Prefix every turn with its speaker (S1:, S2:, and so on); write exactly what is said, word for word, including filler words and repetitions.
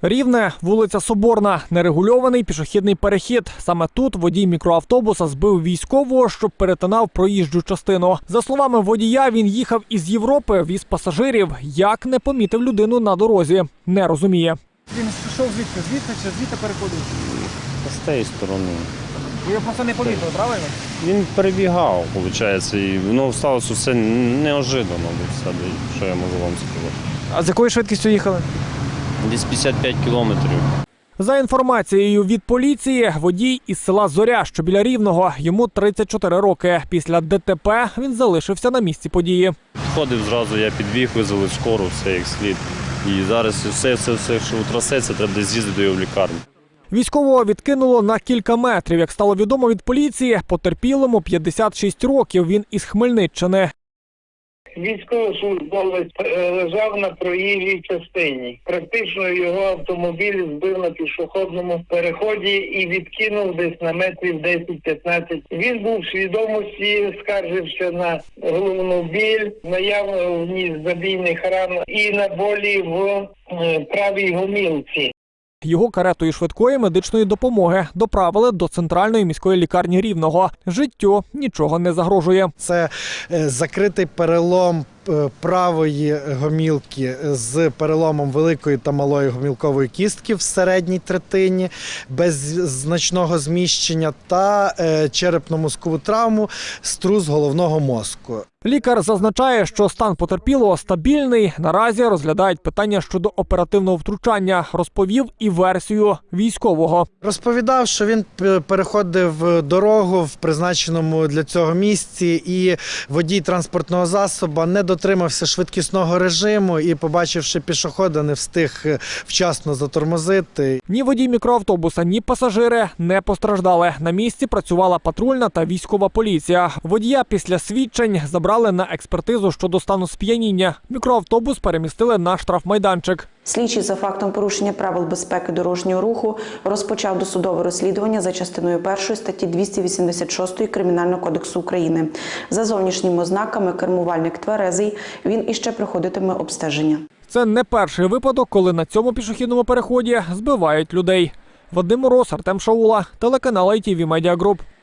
S1: Рівне, вулиця Соборна, нерегульований пішохідний перехід. Саме тут водій мікроавтобуса збив військового, що перетинав проїжджу частину. За словами водія, він їхав із Європи, віз пасажирів. Як не помітив людину на дорозі, не розуміє.
S2: Він йшов звідти, звідти чи звідти переходив?
S3: З тієї сторони.
S2: Ви його просто не помітили, правильно?
S3: Він перебігав, виходить, і воно сталося все неожиданно, що я можу вам сказати.
S2: А з якою швидкістю їхали?
S3: Десь п'ятдесят п'ять кілометрів.
S1: За інформацією від поліції, водій із села Зоря, що біля Рівного, йому тридцять чотири роки. Після ДТП він залишився на місці події.
S3: Ходив зразу, я підбіг, визвали скору, все як слід. І зараз все, все, все, що трасеться, треба десь з'їздити до його в лікарню.
S1: Військового відкинуло на кілька метрів. Як стало відомо від поліції, потерпілому п'ятдесят шість років, він із Хмельниччини.
S4: Військовослужбовець лежав на проїжджій частині. Практично його автомобіль збив на пішохідному переході і відкинув десь на метрів десять-п'ятнадцять. Він був в свідомості, скаржився на головну біль, наявність забійних ран і на болі в правій гомілці.
S1: Його каретою швидкої медичної допомоги доправили до центральної міської лікарні Рівного. Життю нічого не загрожує.
S5: Це закритий перелом правої гомілки з переломом великої та малої гомілкової кістки в середній третині, без значного зміщення, та черепно-мозкову травму, струс головного мозку.
S1: Лікар зазначає, що стан потерпілого стабільний. Наразі розглядають питання щодо оперативного втручання. Розповів і версію військового.
S5: Розповідав, що він переходив дорогу в призначеному для цього місці, і водій транспортного засобу не дотримався швидкісного режиму і, побачивши пішохода, не встиг вчасно затормозити.
S1: Ні водій мікроавтобуса, ні пасажири не постраждали. На місці працювала патрульна та військова поліція. Водія після свідчень забрали на експертизу щодо стану сп'яніння. Мікроавтобус перемістили на штрафмайданчик.
S6: Слідчий за фактом порушення правил безпеки дорожнього руху розпочав досудове розслідування за частиною першої статті двісті вісімдесят шість Кримінального кодексу України. За зовнішніми ознаками кермувальник тверезий, він іще проходитиме обстеження.
S1: Це не перший випадок, коли на цьому пішохідному переході збивають людей. Вадим Мороз, Артем Шаула, телеканал ай ті ві Медіа Груп.